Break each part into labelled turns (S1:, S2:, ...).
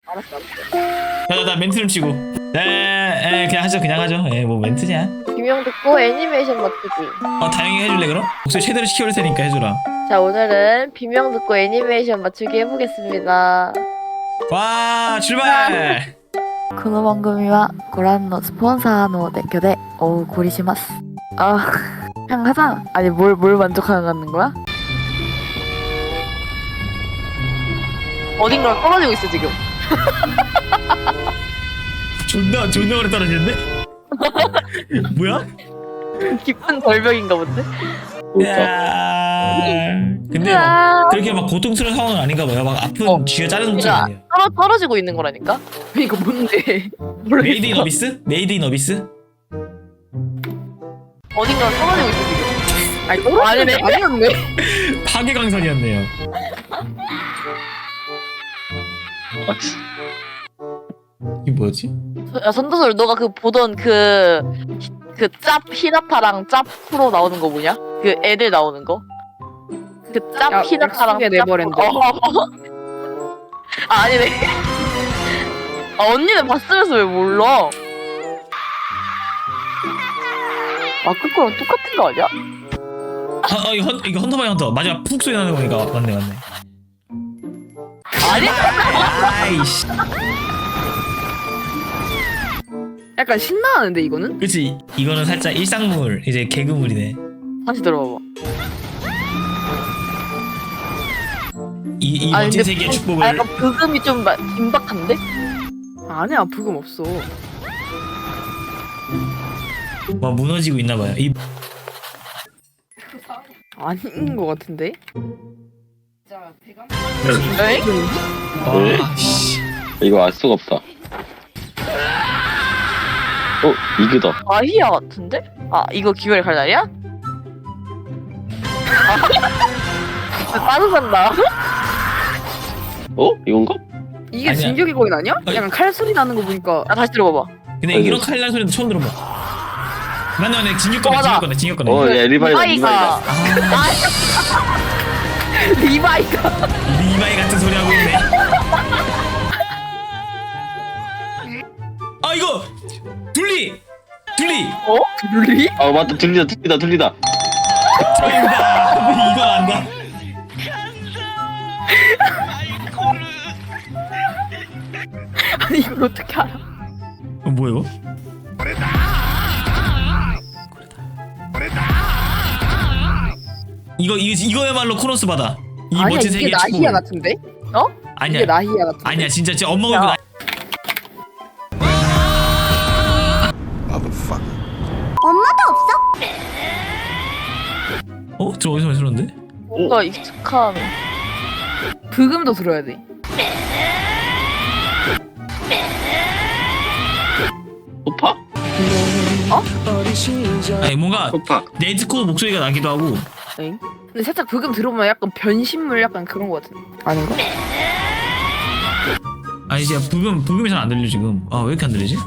S1: 알았어 알았어.
S2: 나 멘트 좀 치고. 그냥 하죠. 뭐 멘트냐?
S1: 비명 듣고 애니메이션 맞추기.
S2: 다행히 해줄래 그럼? 목소리 최대로 시켜올 테니까 해주라.
S1: 자 오늘은 비명 듣고 애니메이션 맞추기 해보겠습니다.
S2: 와 출발.
S3: この番組はご覧のスポンサーの提供でお送りします. 아, 그냥 하자. 아니 뭘 만족하는 거야?
S1: 어딘가 떨어지고 있어 지금.
S2: 존나 오래 떨어지는데? 뭐야?
S1: 깊은 절벽인가 본데?
S2: 야. 근데 막 그렇게 막 고통스러운 상황은 아닌가 봐요. 막 아픈 쥐가 자르는 것도 아니야.
S1: 떨어지고 있는 거라니까? 이거 뭔데?
S2: 메이드 인 어비스? 메이드 인 어비스?
S1: 어딘가 떨어지고 있어 지금.
S3: 아니 떨어지는 게 아니었네.
S2: 파괴강산이었네요. 이게 뭐였지?
S1: 야 선도솔 너가 그 보던 그 짭 히나타랑 짭 프로 나오는 거 뭐냐? 그 애들 나오는 거? 그 짭
S3: 야,
S1: 히나타랑
S3: 약속의 네버랜드.
S1: 아니네. 언니는 봤으면서 왜 몰라? 아까 거랑 똑같은 거 아니야?
S2: 이거 헌터 바이 헌터. 마지막 푹 소리 나는 거니까 맞네.
S1: 아니?
S2: 아이씨.
S3: 약간 신나는데 이거는?
S2: 그치? 이거는 살짝 일상물, 이제 개그물이네.
S1: 다시 들어봐봐.
S2: 이
S1: 아니,
S2: 멋진
S1: 근데
S2: 세계의 축복을.
S1: 약간 브금이 좀 긴박한데?
S3: 아니야 부금 없어.
S2: 막 무너지고 있나봐요. 이
S3: 아닌 거 같은데?
S1: 에이?
S2: 씨.
S4: 이거 알 수가 없다. 이거다.
S1: 아히야 같은데? 아 이거 기회를 갈 날이야? 빠르산다.
S4: 이건가?
S3: 이게
S2: 아니야.
S3: 진격의 거인 아니야? 약간 칼 소리 나는 거 보니까.
S1: 아 다시 들어봐봐.
S2: 근데 이런 칼날 소리도 처음 들어봐. 맞네. 진격 거네.
S4: 야, 리바이다.
S1: 리바이가 리바이가
S2: 리바이 같은 소리 하고 있네. 아 이거 둘리.
S3: 룰리?
S4: 맞다. 들리다.
S2: 정답. 이거 안다.
S3: 아니 이걸 어떻게 알아?
S2: 뭐야 이거? 이거야말로 코너스 바다. 이
S3: 아니야
S2: 멋진
S3: 이게
S2: 세계의
S3: 나히야
S2: 축복을.
S3: 같은데?
S2: 아니야.
S3: 이게 나히야 같은데?
S2: 아니야 진짜 엄마가
S1: 야.
S2: 저 어디서 많이 들었는데?
S1: 뭔가 익숙한.
S3: 브금도 들어야 돼.
S4: 소파?
S2: 아니 뭔가
S4: 소파.
S2: 네즈코 목소리가 나기도 하고.
S3: 엥? 근데 살짝 브금 들어보면 약간 변신물 약간 그런 거 같은데. 아닌가?
S2: 아니 진짜 부금이 잘 안 들려 지금. 왜 이렇게 안 들리지?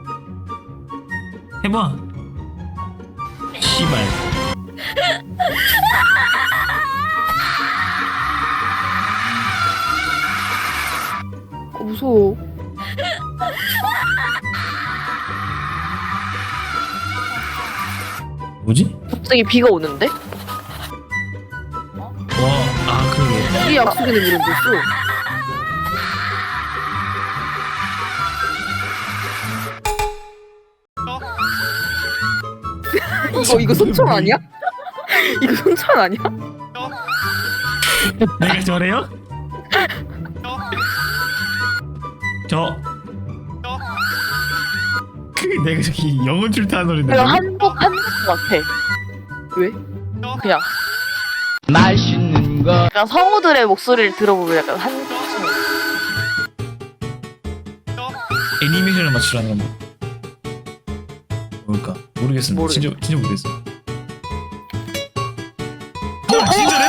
S2: 해봐. 씨발.
S3: 무서워.
S2: 뭐지?
S1: 갑자기 비가 오는데?
S2: 그러게.
S3: 이게 약속의 네버랜드였어. 이거 손천 아니야? 이거 손천 아니야?
S2: 내가 저래요? 내가 저기 영혼 출타한 노래인데.
S1: 내가 한국 같아.
S3: 왜?
S1: 그냥 맛있는 거. 약간 성우들의 목소리를 들어보면 약간 한국.
S2: 애니메이션을 맞추라는 건 뭘까? 모르겠어. 진짜 모르겠어. 진짜래?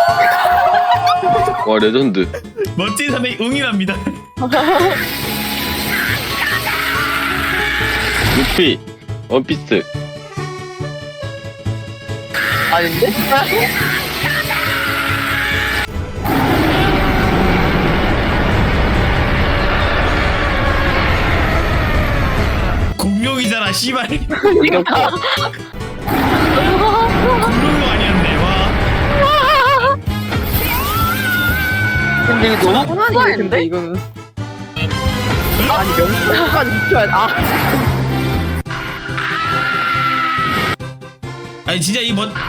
S4: 와, 레전드.
S2: 멋진 사람이 응이랍니다.
S4: 루피. 원피스.
S1: 아닌데?
S2: 이거잖아 씨발.
S4: 이거
S2: 그런 거 아니었네. 와.
S1: 근데 이거 너무
S5: 근데
S1: 뻔한데?
S5: 이거는 아니 명수까지 붙여야 아
S2: 아니 진짜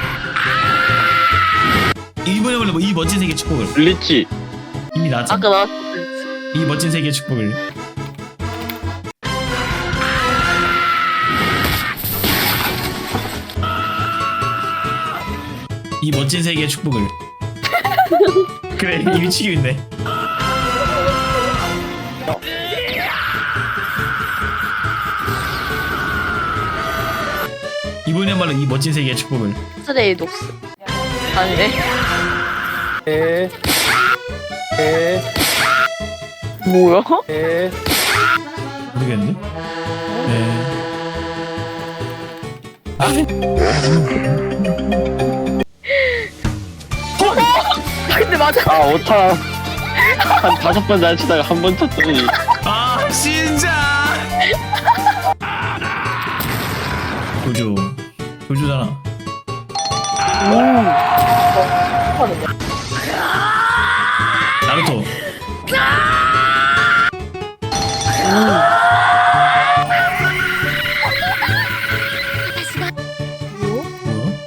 S2: 이번에 원래 이 멋진 세계 축복을
S4: 블리치.
S2: 이미 나왔잖아.
S1: 아까 나
S2: 이 멋진 세계 축복을. 이 멋진 세계의 축복을. 그래 이미 치고 있네. 이번에말로 이 멋진 세계의 축복을.
S1: 스레이 녹스. 아니네. 뭐야?
S2: 모르겠는데? 네.
S1: 근데 맞아.
S4: 아 오타. 한 5번 날치다가 한 번 쳤더니.
S2: 아 진짜. 조조잖아. 나루토.
S1: 뭐?
S2: 뭐야?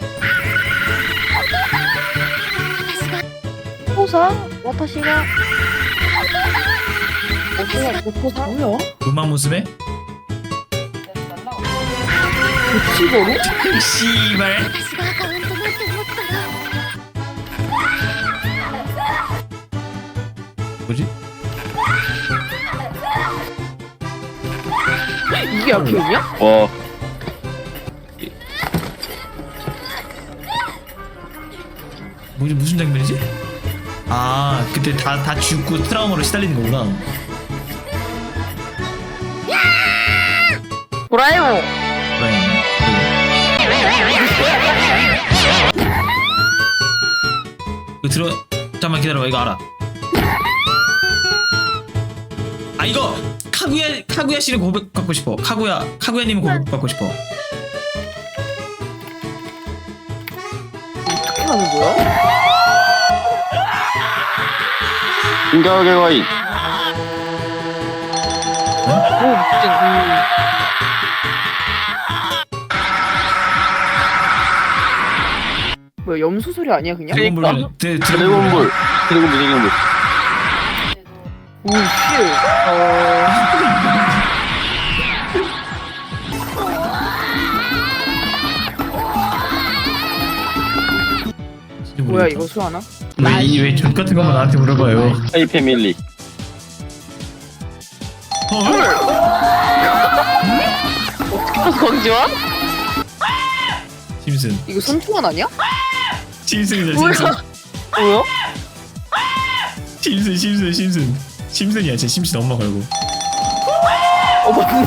S1: 포사? 와타시가. 포사? 뭐야?
S2: 음악 모습에?
S1: 치고로?
S2: 씨발. 뭐지?
S1: 이게 아케인이야?
S4: 와.
S2: 뭐지 무슨 장면이지? 아 그때 다 죽고 트라우마로 시달리는 거구나.
S1: 도라에몽.
S2: 이거 잠깐만 기다려봐. 이거 알아. 아 이거 카구야 씨를 고백받고 싶어. 카구야님을 고백받고 싶어.
S1: 어떻게 하는 거야?
S4: 인가하게 과인.
S5: 뭐야 염소 소리 아니야 그냥?
S2: 드래곤볼.
S4: 드래곤볼. 드래곤볼.
S5: 오 씨. 뭐야 이거 수하나?
S2: 왜족 같은 것만 나한테 물어봐요.
S4: 하이 패밀리.
S1: 광지와?
S2: 심슨.
S5: 이거 손투원 아니야?
S2: 심슨이다
S1: 뭐야?
S2: 심슨.
S1: 뭐야?
S2: 심슨이야. 제 심슨 엄마 걸고.
S5: 맞네.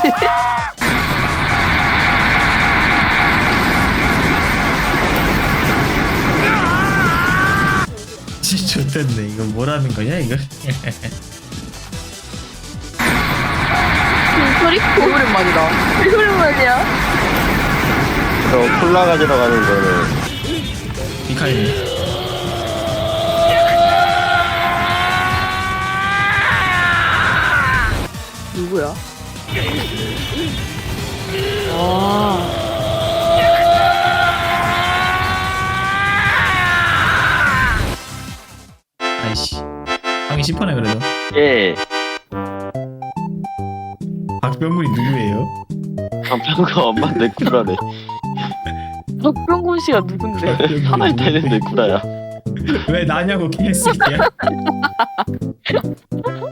S2: 진짜 좋댔네. 이거 뭐라는 거냐 이거?
S1: 소리?
S5: 오랜만이다.
S1: 오랜만이야.
S4: 저 콜라 가지러 가는 거는
S2: 미카엘.
S5: 누구야? 아.
S2: 아이씨. 방이 심하네 그래도.
S4: 예.
S2: 박병근이 누구예요?
S4: 강평가 엄마 내 쿠라네.
S1: 박병곤 씨가 누군데?
S4: 하나에 되는 내 쿠라야.
S2: 왜 나냐고 개새끼야.